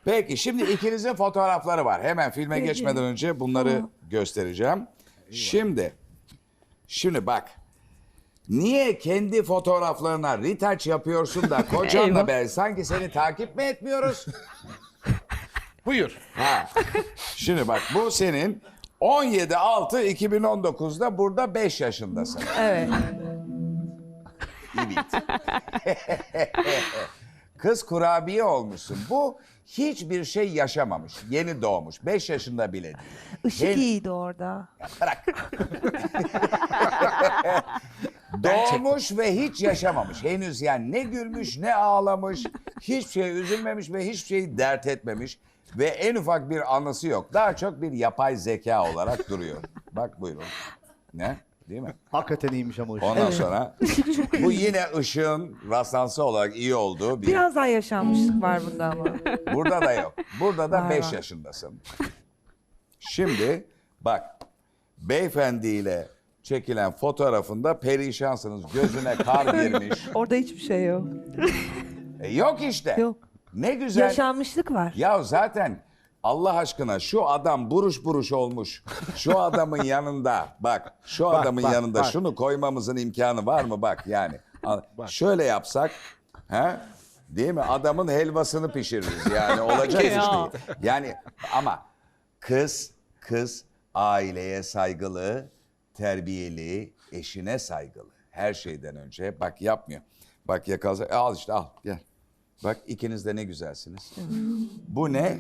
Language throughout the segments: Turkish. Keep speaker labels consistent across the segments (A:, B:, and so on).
A: Peki şimdi ikinizin fotoğrafları var. Hemen filme geçmeden önce bunları göstereceğim. Şimdi bak. Niye kendi fotoğraflarına retouch yapıyorsun da kocanla ben sanki seni takip mi etmiyoruz?
B: Buyur.
A: Ha. Şimdi bak bu senin 17.6.2019'da burada 5 yaşındasın.
C: Evet.
A: Evet. Kız kurabiye olmuşsun. Bu hiçbir şey yaşamamış. Yeni doğmuş. 5 yaşında bile değil.
C: Işık iyiydi orada.
A: Bırak. Doğmuş ve hiç yaşamamış. Henüz yani ne gülmüş ne ağlamış. Hiçbir şey üzülmemiş ve hiçbir şeyi dert etmemiş. Ve en ufak bir anısı yok. Daha çok bir yapay zeka olarak duruyor. Bak buyurun. Ne? Değil mi?
D: Hakikaten iyiymiş ama ışık.
A: Ondan sonra bu yine ışığın rastlantısı olarak iyi olduğu bir...
C: Biraz daha yaşanmışlık var bunda ama.
A: Burada da yok. Burada da
C: Var,
A: 5
C: var.
A: yaşındasın. Şimdi bak beyefendiyle çekilen fotoğrafında perişansınız. Gözüne kar girmiş.
C: Orada hiçbir şey yok.
A: Yok işte.
C: Yok.
A: Ne güzel.
C: Yaşanmışlık var.
A: Ya zaten Allah aşkına şu adam buruş buruş olmuş. Şu adamın yanında bak şu adamın
B: bak,
A: yanında
B: bak.
A: şunu koymamızın imkanı var mı bak yani. Şöyle yapsak he? Değil mi? Adamın helvasını pişiririz yani olacak iş değil. Yani ama kız aileye saygılı, terbiyeli, eşine saygılı. Her şeyden önce bak yapmıyor. Bak yakalasa al işte al gel. Bak ikiniz de ne güzelsiniz. Bu ne?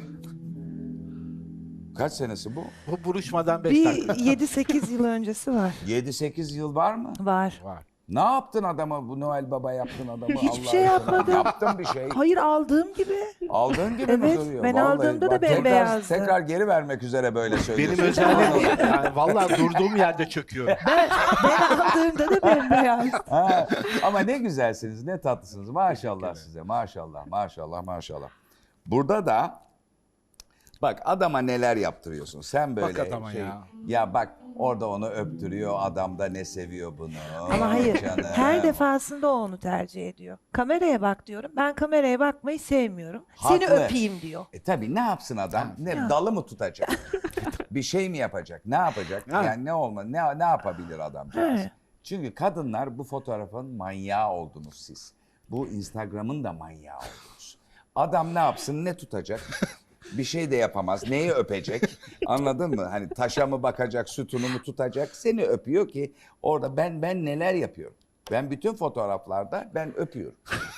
A: Kaç senesi bu?
B: Bu buruşmadan 5
C: Bir
B: dakika.
C: 7-8 yıl öncesi var.
A: 7-8 yıl var mı?
C: Var.
B: Var.
A: Ne yaptın adama? Bu Noel Baba yaptın adamı.
C: Hiçbir
A: Allah
C: şey
A: aşkına.
C: yapmadım.
A: Yaptın bir şey.
C: Hayır aldığım gibi.
A: Aldığın gibi mi
C: Evet,
A: duruyor?
C: ben aldığımda da
A: bak,
C: bembeyazdı.
A: Tekrar geri vermek üzere böyle
B: Benim
A: söylüyorsun.
B: özelliğim yani vallahi durduğum yerde çöküyorum.
C: Ben aldığımda da bembeyaz.
A: Ha, ama ne güzelsiniz, ne tatlısınız. Maşallah size. Maşallah, maşallah, maşallah. Burada da bak adama neler yaptırıyorsun. Sen böyle
B: Bak adama ya.
A: Ya bak orada onu öptürüyor. Adam da ne seviyor bunu.
C: Ama hayır,
A: Canım.
C: her defasında o onu tercih ediyor. Kameraya bak diyorum. Ben kameraya bakmayı sevmiyorum. Seni
A: Haklı.
C: öpeyim diyor.
A: Tabii ne yapsın adam? Ne
C: Ya.
A: dalı mı tutacak? Bir şey mi yapacak? Ne yapacak?
B: Ha.
A: Yani ne yapabilir adamcağız?
C: Evet.
A: Çünkü kadınlar bu fotoğrafın manyağı oldunuz siz. Bu Instagram'ın da manyağı oldunuz. Adam ne yapsın? Ne tutacak? Bir şey de yapamaz. Neyi öpecek? Anladın mı? Hani taşa mı bakacak, sütunu mu tutacak? Seni öpüyor ki orada ben neler yapıyorum? Ben bütün fotoğraflarda ben öpüyorum.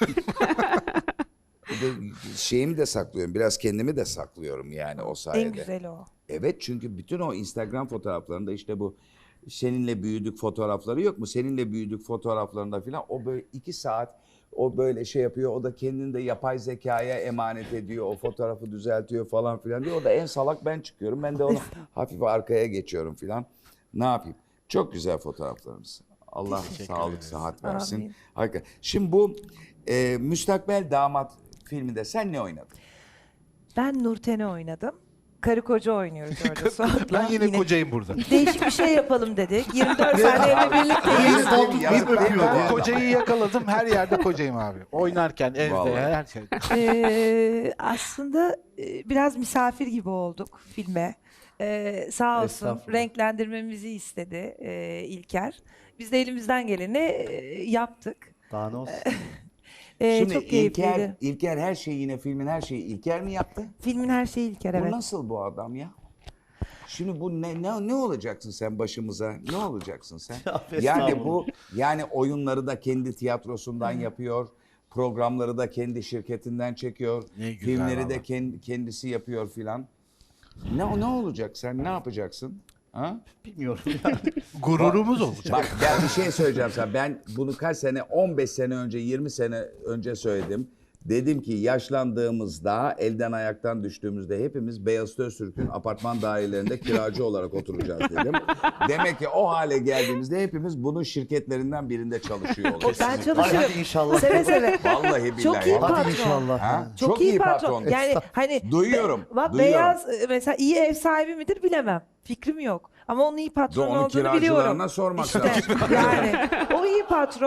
A: Bir de şeyimi de saklıyorum. Biraz kendimi de saklıyorum yani o sayede.
C: En güzeli o.
A: Evet çünkü bütün o Instagram fotoğraflarında işte bu seninle büyüdük fotoğrafları yok mu? Seninle büyüdük fotoğraflarında filan o böyle 2 saat o böyle şey yapıyor. O da kendini de yapay zekaya emanet ediyor. O fotoğrafı düzeltiyor falan filan diyor. O da en salak ben çıkıyorum. Ben de onu hafif arkaya geçiyorum filan. Ne yapayım? Çok güzel fotoğraflarımız. Allah sağlık, sıhhat versin.
C: Amin.
A: Hakikaten. Şimdi bu Müstakbel Damat filminde sen ne oynadın?
C: Ben Nurten'i oynadım. Karı koca oynuyoruz orada Suat'la.
B: Ben yine kocayım burada.
C: Değişik bir şey yapalım dedik. 24 saat evle birlikteyiz.
A: Yazık değil mi?
B: Bu kocayı yakaladım, her yerde kocayım abi. Oynarken, evde,
A: Vallahi.
B: her şey.
C: Aslında biraz misafir gibi olduk filme. Sağ olsun
D: Estağfurullah.
C: renklendirmemizi istedi İlker. Biz de elimizden geleni yaptık.
D: Daha ne olsun?
A: Şimdi
C: Çok keyifliydi.
A: İlker her şeyi yine filmin her şeyi İlker mi yaptı?
C: Filmin her şeyi İlker,
A: Bu
C: evet.
A: nasıl bu adam ya? Şimdi bu ne olacaksın sen başımıza? Ne olacaksın sen? Yani bu yani oyunları da kendi tiyatrosundan yapıyor. Programları da kendi şirketinden çekiyor.
B: Ne güzel
A: Filmleri de
B: vallahi.
A: kendisi yapıyor filan. Ne olacak sen? Ne yapacaksın? Ha?
D: Bilmiyorum.
B: Gururumuz olacak.
A: Bak ben bir şey söyleyeceğim sana. Ben bunu kaç sene, 15 sene önce, 20 sene önce söyledim. Dedim ki yaşlandığımızda, elden ayaktan düştüğümüzde hepimiz Beyazıt Öztürk'ün apartman dairelerinde kiracı olarak oturacağız dedim. Demek ki o hale geldiğimizde hepimiz bunun şirketlerinden birinde çalışıyor olacağız.
C: Ben
D: Hadi
C: çalışırım.
D: inşallah.
C: Seve seve.
A: Vallahi billahi.
C: Çok iyi
D: Hadi
C: patron.
D: inşallah.
A: Ha?
C: Çok iyi patron. Yani hani
A: Duyuyorum,
C: Bak
A: duyuyorum.
C: beyaz mesela iyi ev sahibi midir bilemem. Fikrim yok. Ama onun iyi patron
A: Onun
C: olduğunu
A: kiracılarına
C: biliyorum.
A: sormak
C: İşte
A: lazım.
C: yani o iyi patron.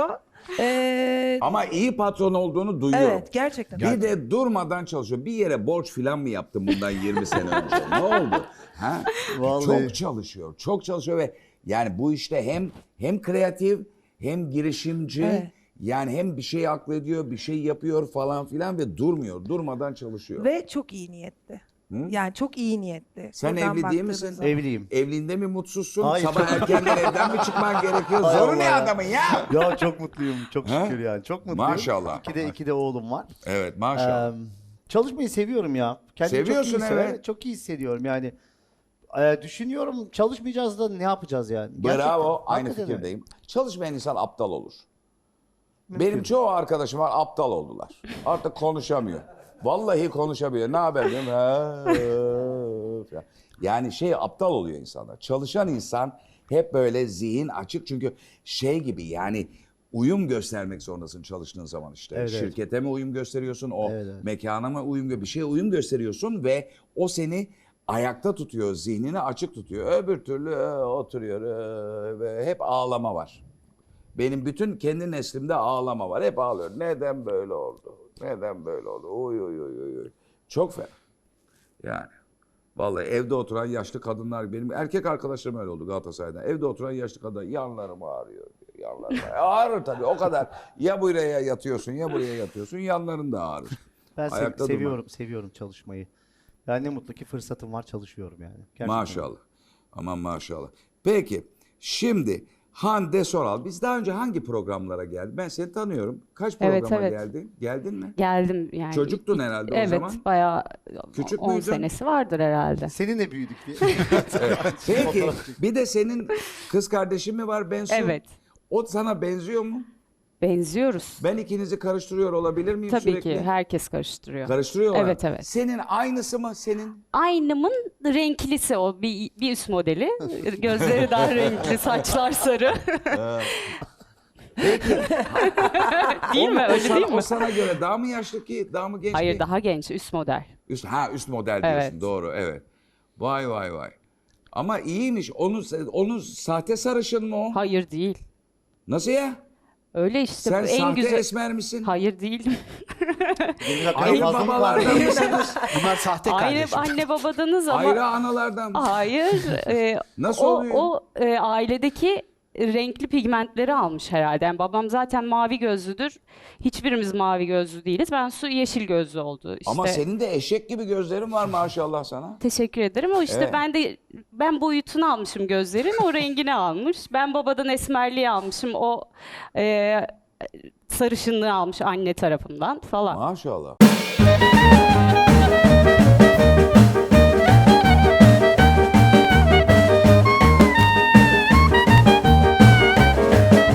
A: Ama iyi patron olduğunu duyuyorum.
C: Evet, gerçekten.
A: Bir de durmadan çalışıyor. Bir yere borç falan mı yaptın bundan 20 sene önce? Ne oldu? Ha?
D: Vallahi.
A: Çok çalışıyor. Çok çalışıyor ve yani bu işte hem kreatif hem girişimci.
C: Evet.
A: Yani hem bir şey aklediyor, bir şey yapıyor falan filan ve durmuyor. Durmadan çalışıyor.
C: Ve çok iyi niyetli. Yani çok iyi niyetli.
A: Sen
C: Buradan
A: evli değil
C: baktığınız
A: misin?
C: zaman.
D: Evliyim.
A: Evliliğinde mi mutsuzsun?
D: Hayır.
A: Sabah erkenden evden mi çıkman gerekiyor?
D: Hay
A: Zoru
D: Allah
A: ne
D: ya.
A: adamın ya?
D: Ya çok mutluyum. Çok
A: Ha?
D: şükür yani. Çok mutluyum.
A: Maşallah.
D: İki de oğlum var.
A: Evet maşallah.
D: Çalışmayı seviyorum ya. Kendimi
A: Seviyorsun,
D: çok iyi hissediyorum.
A: evet.
D: Çok iyi hissediyorum yani. Düşünüyorum çalışmayacağız da ne yapacağız yani?
A: Bravo,
D: Gerçekten,
A: aynı
D: hakikaten öyle.
A: fikirdeyim. Çalışmayan insan aptal olur.
D: Mümkün.
A: Benim çoğu arkadaşım var aptal oldular. Artık konuşamıyor. Vallahi konuşamıyor. Ne haber diyorum. Ha, yani aptal oluyor insanlar. Çalışan insan hep böyle zihin açık çünkü gibi yani uyum göstermek zorundasın çalıştığın zaman işte.
D: Evet, evet.
A: Şirkete mi uyum gösteriyorsun, o
D: Evet, evet.
A: mekana mı bir şeye uyum gösteriyorsun ve o seni ayakta tutuyor, zihnini açık tutuyor. Öbür türlü oturuyor ve hep ağlama var. Benim bütün kendi neslimde ağlama var. Hep ağlıyor. Neden böyle oldu? Neden böyle oldu? Oy oy oy oy oy. Çok fena. Yani. Vallahi evde oturan yaşlı kadınlar, benim erkek arkadaşlarım öyle oldu Galatasaray'dan. Evde oturan yaşlı kadınlar yanlarım ağrıyor diyor. Yanlarım ağrıyor. Ağrır tabii o kadar. Ya buraya yatıyorsun ya buraya yatıyorsun yanların da ağrır.
D: Ben
A: Ayakta durma.
D: seviyorum çalışmayı. Yani ne mutlu ki fırsatım var çalışıyorum yani. Gerçekten.
A: Maşallah. Aman maşallah. Peki şimdi Hande Soral, biz daha önce hangi programlara geldik? Ben seni tanıyorum. Kaç
E: Evet,
A: programa
E: evet.
A: geldin? Geldin mi?
E: Geldim yani.
A: Çocuktun herhalde o
E: evet,
A: zaman.
E: bayağı
A: Küçük
E: 10
A: müydün?
E: senesi vardır herhalde.
D: Seninle büyüdük diye.
A: Peki
D: Fotoğraf çek-
A: bir de senin kız kardeşin mi var Bensu?
E: Evet.
A: O sana benziyor mu?
E: Benziyoruz.
A: Ben ikinizi karıştırıyor olabilir miyim
E: Tabii
A: sürekli?
E: ki herkes karıştırıyor.
A: Karıştırıyorlar.
E: Evet, evet.
A: Senin aynısı mı senin?
E: Aynımın renklisi o bir üst modeli. Gözleri daha renkli, saçlar sarı.
A: Peki.
E: Değil mi? Öyle değil
A: O
E: mi?
A: sana göre daha mı yaşlı ki, daha mı genç
E: Hayır,
A: ki?
E: daha genç, üst model.
A: Üst model diyorsun.
E: Evet.
A: Doğru, evet. Vay vay vay. Ama iyiymiş. Onun sahte sarışın mı o?
E: Hayır değil.
A: Nasıl ya?
E: Öyle işte
A: Sen
E: en
A: sahte
E: güzel.
A: esmer misin?
E: Hayır değilim.
D: Benim hakkında
A: Aynı
D: fazla mı var?
A: babalardan mısınız?
B: Bunlar sahte
E: Aynı
B: kardeşim.
E: anne babadanız ama
A: Ayrı analardan mısınız?
E: hayır.
A: Nasıl
E: o,
A: oluyor?
E: O ailedeki renkli pigmentleri almış herhalde. Yani babam zaten mavi gözlüdür. Hiçbirimiz mavi gözlü değiliz. Ben yeşil gözlü oldu. İşte.
A: Ama senin de eşek gibi gözlerin var maşallah sana.
E: Teşekkür ederim. O işte
A: Evet.
E: ben boyutunu almışım gözlerin, o rengini almış. Ben babadan esmerliği almışım, o sarışınlığı almış anne tarafından falan.
A: Maşallah.